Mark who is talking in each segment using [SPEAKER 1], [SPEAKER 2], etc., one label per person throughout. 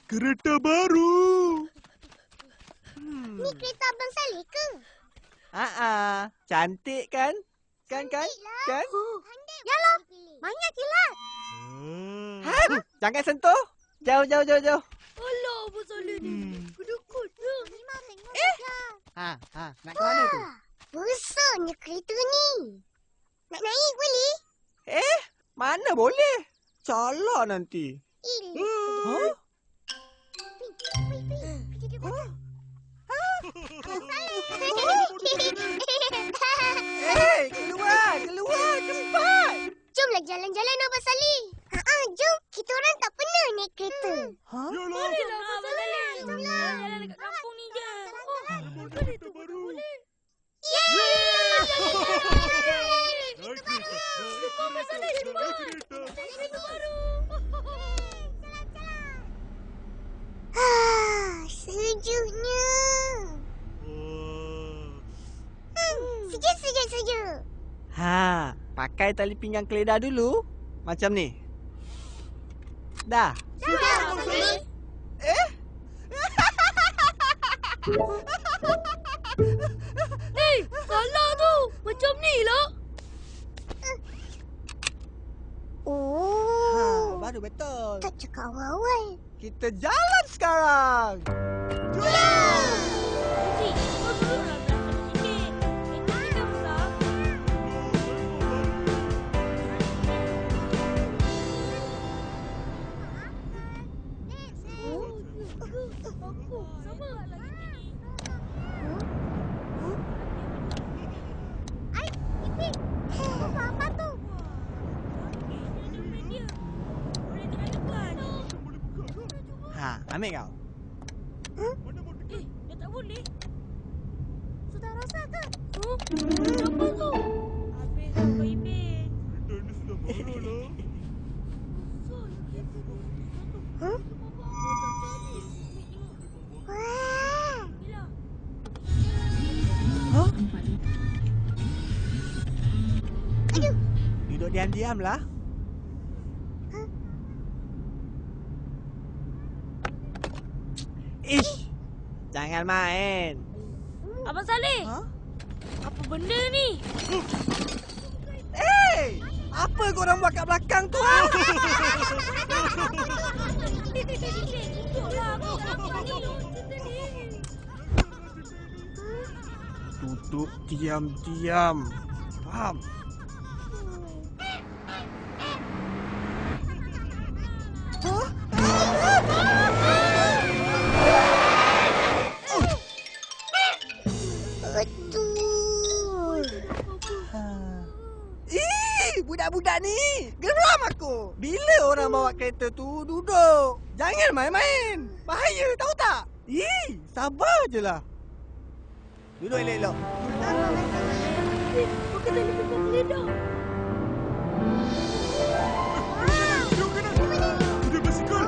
[SPEAKER 1] Kereta baru.
[SPEAKER 2] Ni kereta Abang Saleh ke?
[SPEAKER 3] Cantik kan? Kan?
[SPEAKER 2] Yalah, banyak kilat.
[SPEAKER 3] Jangan sentuh. Jauh.
[SPEAKER 4] Alah, Abang Saleh ni. Kedekut je.
[SPEAKER 2] Memang tengok saja.
[SPEAKER 3] Nak ke mana tu?
[SPEAKER 2] Besarnya kereta ni. Nak naik boleh?
[SPEAKER 3] Mana boleh? Salah nanti.
[SPEAKER 2] Ilah. Pergi dia belakang. Abang Saleh.
[SPEAKER 3] Keluar cepat.
[SPEAKER 2] Jomlah jalan-jalan Abang Saleh. Jom. Kita orang tak pernah naik kereta.
[SPEAKER 1] Yalah.
[SPEAKER 4] Bolehlah, Abang Saleh. Jalan dekat kampung ni je.
[SPEAKER 1] Kereta baru.
[SPEAKER 2] Yeay!
[SPEAKER 1] Naik kereta.
[SPEAKER 4] Abang Saleh, cepat.
[SPEAKER 1] Kereta.
[SPEAKER 4] Kereta baru.
[SPEAKER 2] Sejuknya. Sejuk.
[SPEAKER 3] Pakai tali pinggang keledar dulu. Macam ni. Dah.
[SPEAKER 2] Sudah, Abang Saleh.
[SPEAKER 4] Salah tu. Macam ni lah.
[SPEAKER 3] Baru betul.
[SPEAKER 2] Tak cakap awal-awal.
[SPEAKER 3] Kita jalan sekarang.
[SPEAKER 4] Cik, kau duduklah belakang sikit. Kereta ni dah besar. Aku sama lah kita ni.
[SPEAKER 2] Ipin, apa tu?
[SPEAKER 4] Ada media. Boleh tekan.
[SPEAKER 3] Ambil kau.
[SPEAKER 4] Dah tak boleh.
[SPEAKER 2] Sudah rasa ke?
[SPEAKER 4] Apa tu? Habis apa Ipin?
[SPEAKER 1] Kereta ni sudah marah lah.
[SPEAKER 2] Wah. Aduh.
[SPEAKER 3] Duduk diam-diam lah. Ish. Jangan main.
[SPEAKER 4] Abang Saleh, apa benda ni?
[SPEAKER 3] Apa korang buat kat belakang tu?
[SPEAKER 4] Duduklah, aku tak apa ni.
[SPEAKER 3] Duduk diam-diam. Faham?
[SPEAKER 2] Betul.
[SPEAKER 3] Budak-budak ni. Geram aku. Bila orang bawa kereta tu duduk. Jangan main-main. Bahaya, tahu tak? Sabar je lah. Duduk elok-elok.
[SPEAKER 4] Pakai tali pinggang keledar.
[SPEAKER 1] Jom kanan. Kuda basikal.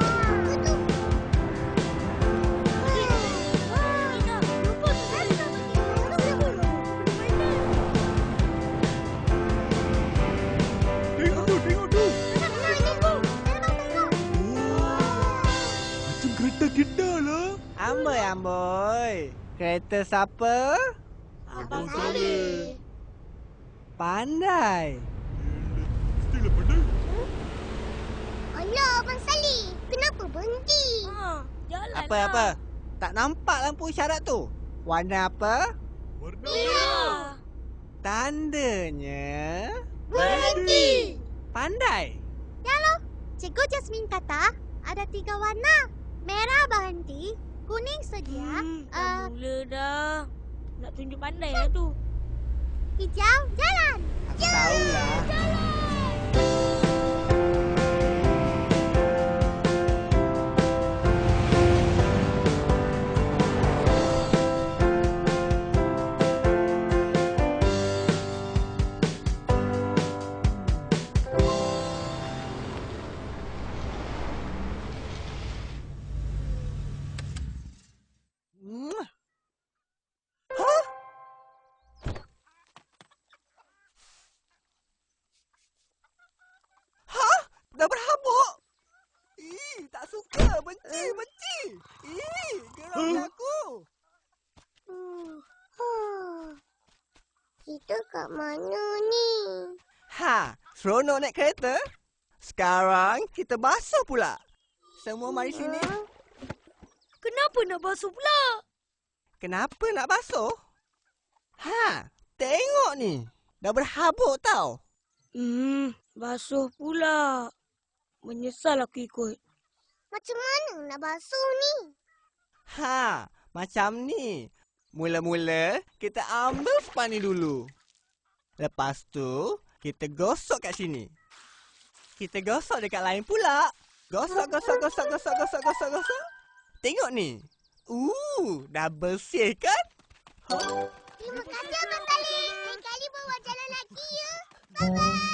[SPEAKER 1] Tengok tu. Macam kereta kita lah.
[SPEAKER 3] Amboi. Kereta siapa?
[SPEAKER 4] Abang Saleh.
[SPEAKER 3] Pandai.
[SPEAKER 1] Mestilah pandai.
[SPEAKER 2] Alah, Abang Saleh. Kenapa berhenti?
[SPEAKER 4] Jalan
[SPEAKER 3] Apa? Tak nampak lampu isyarat tu? Warna apa?
[SPEAKER 1] Warna
[SPEAKER 4] Ya.
[SPEAKER 3] Tandanya
[SPEAKER 2] Berhenti.
[SPEAKER 3] pandai.
[SPEAKER 2] Cikgu Jasmine kata ada 3 warna. Merah berhenti, kuning sedia,
[SPEAKER 4] Dah mula dah. Nak tunjuk pandai lah tu.
[SPEAKER 2] hijau jalan.
[SPEAKER 3] Aku tahulah.
[SPEAKER 2] kat mana ni?
[SPEAKER 3] Ha, seronok naik kereta. Sekarang kita basuh pula. Semua mari sini.
[SPEAKER 4] Kenapa nak basuh pula?
[SPEAKER 3] Kenapa nak basuh? Ha, tengok ni. Dah berhabuk tau.
[SPEAKER 4] Basuh pula. Menyesal aku ikut.
[SPEAKER 2] Macam mana nak basuh ni?
[SPEAKER 3] Ha, macam ni. Mula-mula kita ambil span ni dulu. Lepas tu, kita gosok kat sini. Kita gosok dekat lain pula. Gosok. Tengok ni. Dah bersih kan?
[SPEAKER 2] Terima kasih Abang Khalid. Lain kali bawa jalan lagi ya. Bye-bye.